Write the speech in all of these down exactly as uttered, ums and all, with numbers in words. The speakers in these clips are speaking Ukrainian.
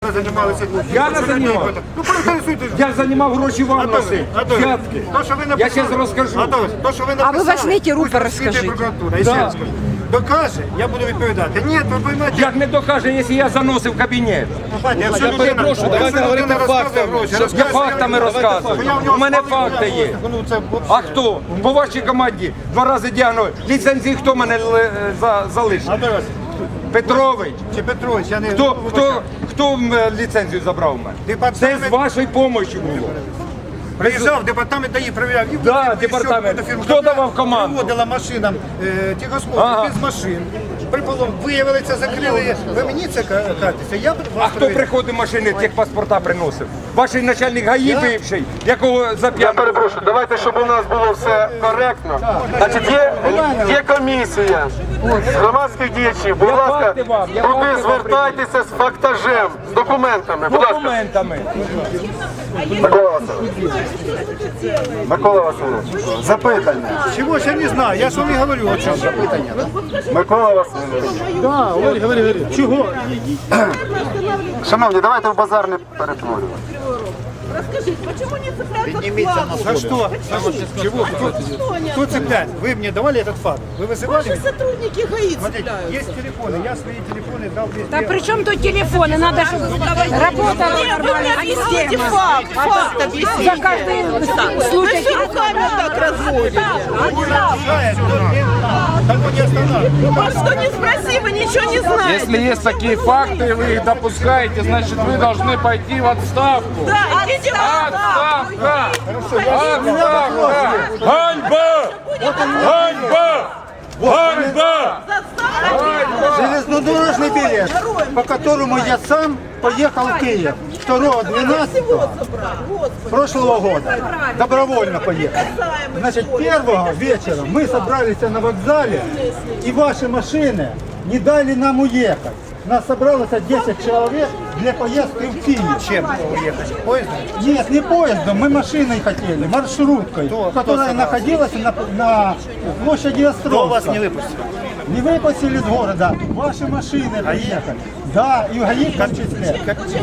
платно займалися. Я не займав. Ну, проінтересуйтесь. Я займав гроші вам носити. Взятки. То, що ви Я написали. зараз розкажу. Атось, то, що ви А написали. ви возьмите руки, пусть розкажіть. розслідує прокуратура. Я Да. ще раз скажу. Докаже, я буду відповідати. Ні, ви поймете. Як не докаже, якщо я заносив кабінет? Пані, якщо Я людина- перепрошую, давайте якщо говорити людина розказує фактами. гроші, Я розказує, фактами я- розказую. я в нього У мене спалив, факти я- є. Ну, це А хто? По вашій команді два рази дягнули. Ліцензії хто мене л- за- залишив? Атось, Петрович. чи Петрович, я не... Хто, хто, хто м, ліцензію забрав у мене? Департамент- Це з вашої допомоги було. Приїжджав, департамент ДАІ перевіряв. І Да, виїхав, департамент. і фірма. Хто давав команду? Приводила машинам е, тихословно, Ага. без машин. Приполом, виявили це, закрили. Ви мені це кажете? Я вас А хто перевіряю. приходить машини, техпаспорта приносив? Ваш начальник ГАІ бивший, якого за Я п'яну. перепрошую, давайте, щоб у нас було все коректно. Значить, є, є комісія з громадських діячів. Будь Я ласка, факти вам, я факти туди вам звертайтеся з фактажем, з документами. Будь ласка, Документами. Микола Васильович. Микола Васильович, запитання. Чого ж я не знаю, я ж вам і говорю, о чому запитання. Микола Васильович. Да, говори, говори, говори. Чого? Шановні, давайте в базар не перетворювати. Расскажите, почему не цепляются флаги? За что? Чего? Кто, кто цепляет? Вы мне давали этот факт? Вы вызывали Ваши меня? сотрудники ГАИ Смотрите, цепляются. есть телефоны, я свои телефоны дал везде. Да при чем тут телефоны? Надо, чтобы работала Нет, вы мне нормально объясните система. факт, факт За объясните. каждый Вы случай все руками вот так разводите. Так вот не останавливай. Вас что не спроси, вы ничего не знаете. Если есть такие факты, и вы их допускаете, значит, вы должны пойти в отставку. Да, идите в отставку. Отставка! Отставка! Ганьба! Ганьба! Ганьба! Железнодорожный билет, по которому я сам поехал в Киев второго двенадцатого прошлого года. Добровольно поехал. Значит, первого вечера мы собрались на вокзале, и ваши машины не дали нам уехать. Нас собралось десять человек для поездки в Киев. Чем уехать? Поездом? Нет, не поездом, мы машиной хотели, маршруткой, Кто- которая кто находилась на, на площади Островска. Кто вас не выпустил? Не выпустили из города, ваши машины приехали. Да, и ГАИ в том числе.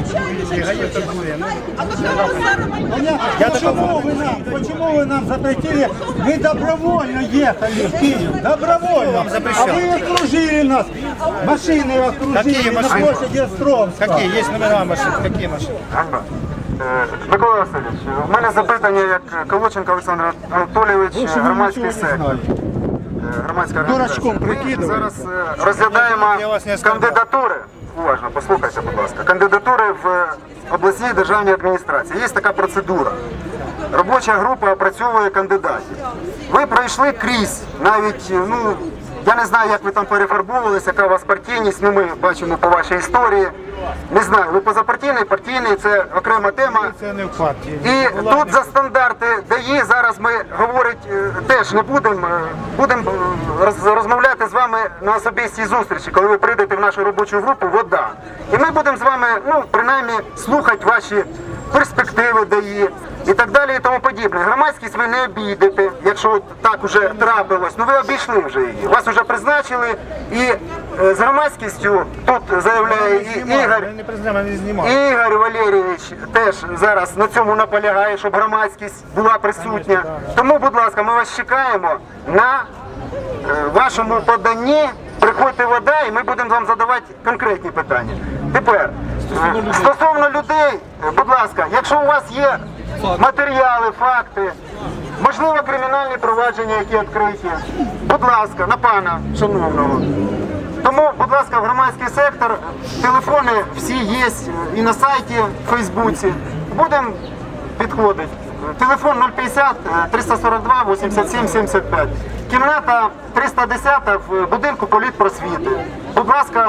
Понятно, почему вы нам, почему вы нам запретили? Мы добровольно ехали в Киев, добровольно. А вы окружили нас, машины окружили Какие на машины? площади Островска. Какие? Есть номера машин? Какие машины? Ганьба. Е, Микола Васильович, у мене запитання як Колоченко Олександр Анатолійович, Лучше ви громадський нічого не сектор. знаєте. Е, Громадська Дурачком організація. Ми прикидуєте. зараз е, розглядаємо Я вас не оскаржу. кандидатури. Уважно, послухайте, будь ласка. Кандидатури в обласній державній адміністрації. Є така процедура. Робоча група опрацьовує кандидатів. Ви пройшли крізь, навіть, ну, я не знаю, як ви там перефарбовувалися, яка у вас партійність, ну ми бачимо по вашій історії. Не знаю, ви позапартійний, партійний, це окрема тема. Це не в партії. І тут за стандарти ДАІ зараз ми говорить е, теж не будемо. е, Будемо е, роз- розмовляти з вами на особистій зустрічі, коли ви прийдете в нашу робочу групу «Вода». І ми будемо з вами, ну, принаймні, слухати ваші перспективи ДАІ і так далі і тому подібне. Громадськість ви не обійдете, якщо от так уже трапилось. Ну ви обійшли вже її. Вас вже призначили і е, з громадськістю тут заявляє і Ігор. Не признаємо, не знімав. Ігор Валерійович теж зараз на цьому наполягає, щоб громадськість була присутня. Тому, будь ласка, ми вас чекаємо на е, вашому поданні. Приходьте «Вода» і ми будемо вам задавати конкретні питання. Тепер, е, стосовно людей, е, будь ласка, якщо у вас є матеріали, факти, можливо, кримінальні провадження, які відкриті, будь ласка, на пана шановного. Тому, будь ласка, в громадський сектор, телефони всі є і на сайті, в Фейсбуці. Будемо підходити. Телефон нуль п'ятдесят триста сорок два вісімдесят сім сімдесят п'ять. Кімната триста десять в будинку політпросвіти. Будь ласка,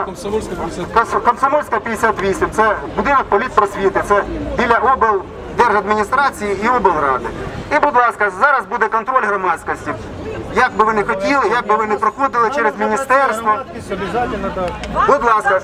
Кос- Комсомольська п'ятдесят вісім. Це будинок політпросвіти. Це біля облдержадміністрації і облради. І, будь ласка, зараз буде контроль громадськості. Як би ви не хотіли, як би ви не проходили через міністерство. Обязательно так. Будь ласка.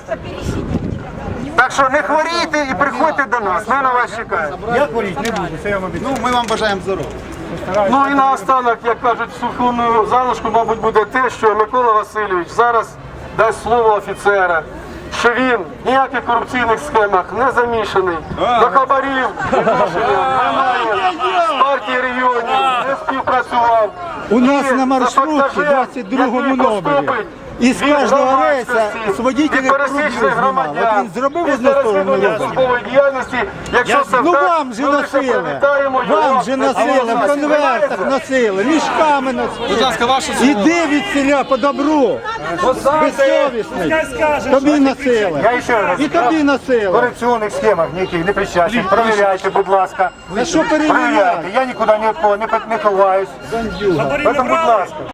Так що не хворійте і приходьте до нас. Ми на вас чекаємо. Я хворіть не буду, це я вам обіцяю. Ну, ми вам бажаємо здоров'я. Ну і наостанок, як кажуть, сухому залишку, мабуть, буде те, що Микола Васильович зараз дасть слово офіцера, що він в ніяких корупційних схемах не замішаний, до хабарів відношення немає, з партії регіонів не співпрацював. У нас І на маршрутці за пасажир, двадцять другому який номері. поступить Із від кожного рейса громадськості, з водителів від пересічних кругів знімали. громадян, От він зробив після одну сторону розслідування робить. службової діяльності, якщо це Ну так, вам же ми лише носили, привітаємо його. вам же носили, в конвертах носили, мішками носили. Будь ласка, ваше слово. Іди від селя по добру, безсовісний, тобі носили, Я ще раз і тобі в носили. корупційних схемах ніяких не причастний. Провіряйте, будь ласка. А що перевіряти? Провіряйте. Я нікуди ні від кого не, не ховаюсь. Тому, будь ласка.